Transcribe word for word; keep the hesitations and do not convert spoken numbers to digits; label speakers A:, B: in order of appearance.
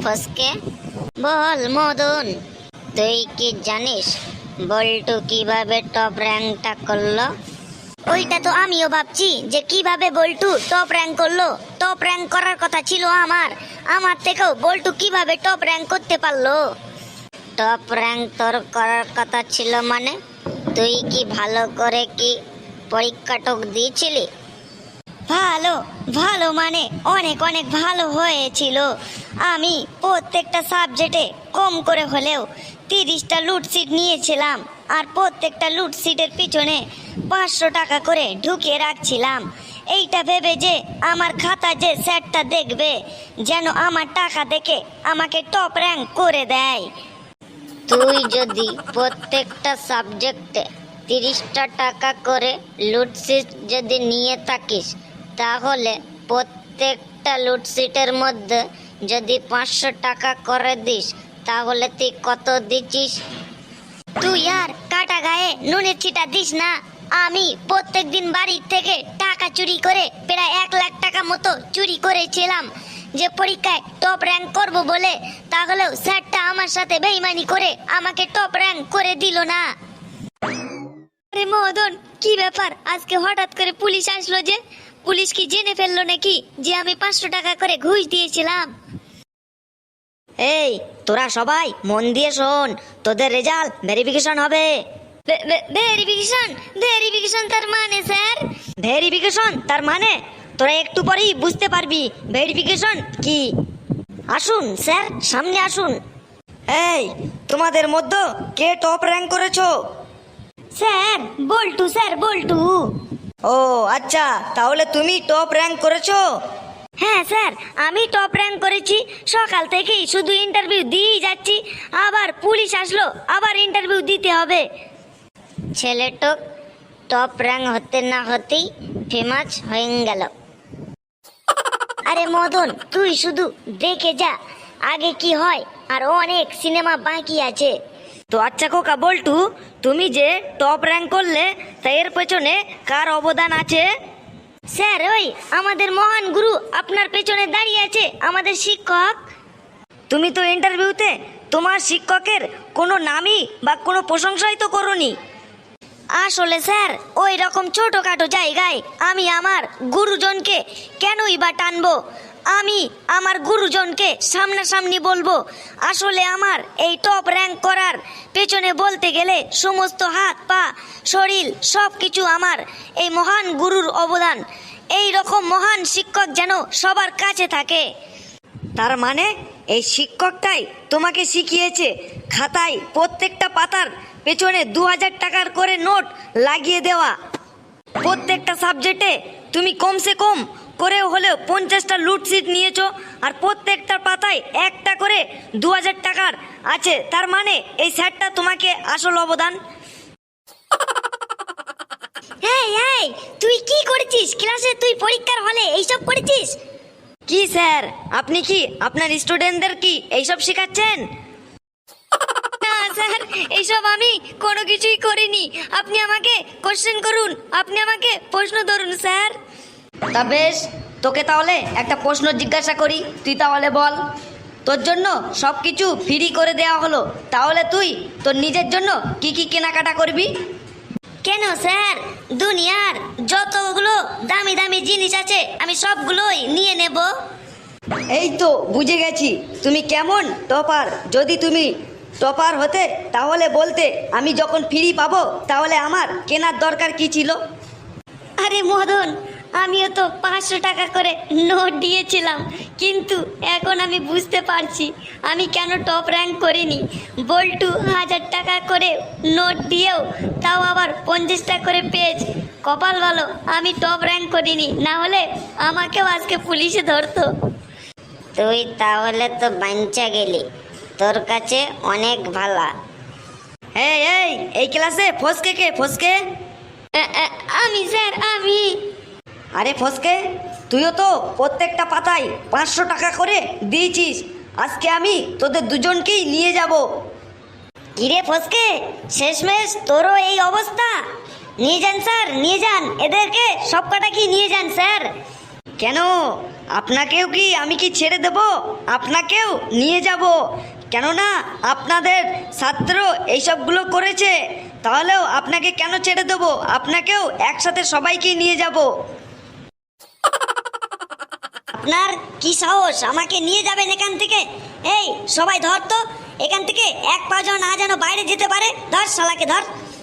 A: ফসকে। বল মদন, তুই কি জানিস বল্টু কিভাবে টপ র্যাঙ্কটা করলো? ওইটা তো আমিও ভাবছি যে কিভাবে বল্টু টপ র্যাঙ্ক করলো। টপ র্যাঙ্ক করার কথা ছিল আমার, আমার থেকেও বল্টু কিভাবে টপ র্যাঙ্ক করতে পারলো? টপ র্যাঙ্ক তোর করার কথা ছিল মানে? তুই কি ভালো করে কি পরীক্ষাটক দিয়েছিলি? ভালো ভালো মানে অনেক অনেক ভালো হয়েছিল। আমি প্রত্যেকটা সাবজেক্টে কম করে হলেও তিরিশটা লুটসিট নিয়েছিলাম, আর প্রত্যেকটা লুটসিটের পিছনে পাঁচশো টাকা করে ঢুকিয়ে রাখছিলাম, এইটা ভেবে যে আমার খাতা যে স্যারটা দেখবে যেন আমার টাকা দেখে আমাকে টপ র্যাঙ্ক করে দেয়। তুই যদি প্রত্যেকটা সাবজেক্টে তিরিশটা টাকা করে লুটসিট যদি নিয়ে থাকিস, তাহলে প্রত্যেকটা লুটসিটের মধ্যে যদি পাঁচশো টাকা করে দিস, তাহলে তুই কত দিচ্ছিস? তুই আর কাটা গায়ে নুনের ছিটা দিস না। আমি প্রত্যেক দিন বাড়ির থেকে টাকা চুরি করে প্রায় এক লাখ টাকা মতো চুরি করেছিলাম যে পরীক্ষায় টপ র্যাঙ্ক করব বলে, তাহলেও স্যারটা আমার সাথে বেইমানি করে আমাকে টপ র্যাঙ্ক করে দিল না। আরে মদন, কি ব্যাপার আজকে হঠাৎ করে পুলিশ আসলো যে? পুলিশ কি জেনে ফেললো নাকি যে আমি পাঁচশো টাকা করে ঘুষ দিয়েছিলাম? এই তোরা সবাই মন দিয়ে শোন, তোদের রেজাল্ট ভেরিফিকেশন হবে। ভেরিফিকেশন? ভেরিফিকেশন তার মানে স্যার? ভেরিফিকেশন তার মানে তোরা একটু পরেই বুঝতে পারবি ভেরিফিকেশন কি। আসুন স্যার, সামনে আসুন।
B: এই তোমাদের মধ্যে কে টপ র্যাঙ্ক করেছো?
A: Sir Boltu, sir Boltu.
B: ও আচ্ছা, তাহলে তুমি টপ র্যাঙ্ক করেছো?
A: হ্যাঁ স্যার, আমি টপ র্যাঙ্ক করেছি। সকাল থেকেই শুধু ইন্টারভিউ দিয়েই যাচ্ছি, আবার পুলিশ আসলো, আবার ইন্টারভিউ দিতে হবে। ছেলেটা টপ র্যাঙ্ক হতে না হতেই ফেমাস হয়ে গেল। আরে মদন, তুই শুধু দেখে যা আগে কি হয়, আর অনেক সিনেমা বাকি আছে।
B: তো আচ্ছা খোকা বল্টু, তুমি যে টপ র্যাঙ্ক করলে তা এর পেছনে কার অবদান আছে?
A: স্যার, ওই আমাদের মহান গুরু আপনার পেছনে দাঁড়িয়ে আছে, আমাদের শিক্ষক।
B: তুমি তো ইন্টারভিউতে তোমার শিক্ষকের কোনো নামই বা কোনো প্রশংসাই তো করোনি।
A: আসলে স্যার, ওই রকম ছোটখাটো জায়গায় আমি আমার গুরুজনকে কেনই বা টানবো? আমি আমার গুরুজনকে সামনাসামনি বলবো। আসলে আমার এই টপ র্যাঙ্ক করার পেছনে বলতে গেলে সমস্ত হাত পা শরীর সব কিছু আমার এই মহান গুরুর অবদান। এই রকম মহান শিক্ষক যেন সবার কাছে থাকে।
B: তার মানে এই শিক্ষকটাই তোমাকে শিখিয়েছে খাতায় প্রত্যেকটা পাতার পেছনে দু হাজার টাকার করে নোট লাগিয়ে দেওয়া। প্রত্যেকটা সাবজেক্টে তুমি কমসে কম করে হলেও পঞ্চাশটা লুটসিট নিয়েছো, আর প্রত্যেকটা পাতায় একটা করে দু হাজার টাকার আছে। তার মানে এই স্যারটা তোমাকে আসল অবদান।
A: এই এই তুই কি করেছিস ক্লাসে? তুই পরীক্ষার হলে এইসব করেছিস?
B: কি স্যার, আপনি কি আপনার স্টুডেন্টদের কি এইসব শেখাচ্ছেন?
A: না স্যার, এইসব আমি কোনো কিছুই করিনি। আপনি আমাকে কোশ্চেন করুন, আপনি আমাকে প্রশ্ন ধরুন স্যার।
B: তা বেশ, তোকে তাহলে একটা প্রশ্ন জিজ্ঞাসা করি, তুই তাহলে বল। তোর জন্য সব কিছু ফ্রি করে দেওয়া হলো, তাহলে তুই তোর নিজের জন্য কি কি কেনাকাটা করবি?
A: কেন স্যার? দুনিয়ার যতগুলো দামি দামি জিনিস আছে আমি সবগুলোই নিয়ে নেব।
B: এই তো বুঝে গেছি তুমি কেমন টপার। যদি তুমি টপার হতে তাহলে বলতে, আমি যখন ফ্রি পাবো তাহলে আমার কেনার দরকার কি ছিল?
A: আরে মদন, আমিও তো পাঁচশো টাকা করে নোট দিয়েছিলাম, কিন্তু এখন আমি বুঝতে পারছি আমি কেন টপ র্যাঙ্ক করিনি। বল্টু হাজার টাকা করে নোট দিয়েও তাও আবার পঞ্চাশটা করে পেজ। কপাল ভালো আমি টপ র্যাঙ্ক করিনি, না হলে আমাকেও আজকে পুলিশে ধরতো। তুই তাহলে তো বাঞ্চা গেলি, তোর কাছে অনেক ভালা।
B: এই এই এই ক্লাসে ফসকে কে? ফসকে?
A: আমি স্যার, আমি।
B: আরে ফসকে, তুইও তো প্রত্যেকটা পাতায় পাঁচশো টাকা করে দিয়েছিস। আজকে আমি তোদের দুজনকেই নিয়ে যাব।
A: কিরে ফসকে, শেষমেশ তোরও এই অবস্থা? নিয়ে যান স্যার, নিয়ে যান এদেরকে, সব কটা কি নিয়ে যান স্যার।
B: কেন আপনাকেও কি আমি কি ছেড়ে দেব? আপনাকেও নিয়ে যাব, কেননা আপনাদের ছাত্র এইসবগুলো করেছে। তাহলেও আপনাকে কেন ছেড়ে দেবো? আপনাকেও একসাথে সবাইকে নিয়ে যাব।
A: আপনার কি সাহস আমাকে নিয়ে যাবেন এখান থেকে? এই সবাই ধর তো, এখান থেকে এক পা যেন না যেন বাইরে যেতে পারে। ধর শালাকে ধর।